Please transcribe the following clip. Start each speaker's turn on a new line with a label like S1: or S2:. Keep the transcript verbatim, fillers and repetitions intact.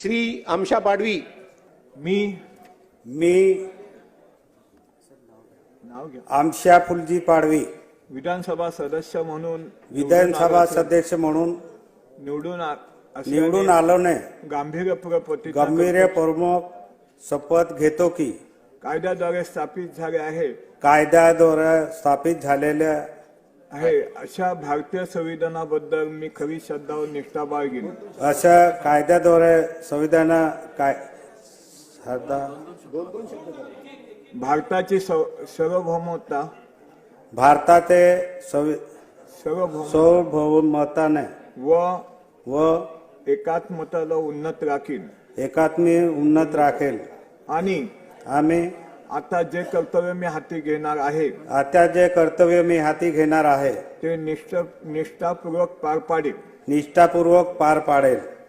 S1: श्री आमशा पाडवी
S2: मी
S3: मी
S2: नाव घ्या
S3: आमशा फुलजी पाडवी
S2: विधानसभा सदस्य म्हणून
S3: विधानसभा सदस्य म्हणून
S2: निवडून आ- असल्याने
S3: निवडून आलोने
S2: गांभीर्यपूर्वक प्रतिज्ञा
S3: गंभीर
S2: करतो.
S3: प्रमुख शपथ घेतो की
S2: कायद्याद्वारे स्थापित झाले आहे
S3: कायद्याद्वारे स्थापित झालेल्या
S2: आहे अशा भारतीय संविधानाबद्दल मी खरी श्रद्धा व निष्ठा बाळगीन.
S3: अशा कायद्याद्वारे संविधान काय श्रद्धा
S2: भारताची सव- सार्वभौमता
S3: भारताचे संवि-
S2: सार्वभौम
S3: सार्वभौमताने
S2: व
S3: व
S2: एकात्मताला उन्नत राखीन
S3: एकात्मी उन्नत राखेल.
S2: आणि
S3: आम्ही
S2: आता जे कर्तव्य मी हाती घेणार आहे
S3: आता जे कर्तव्य मी हाती घेणार आहे
S2: ते निष्ठ निष्ठापूर्वक पार पाडेल.
S3: निष्ठापूर्वक पार पाडेल.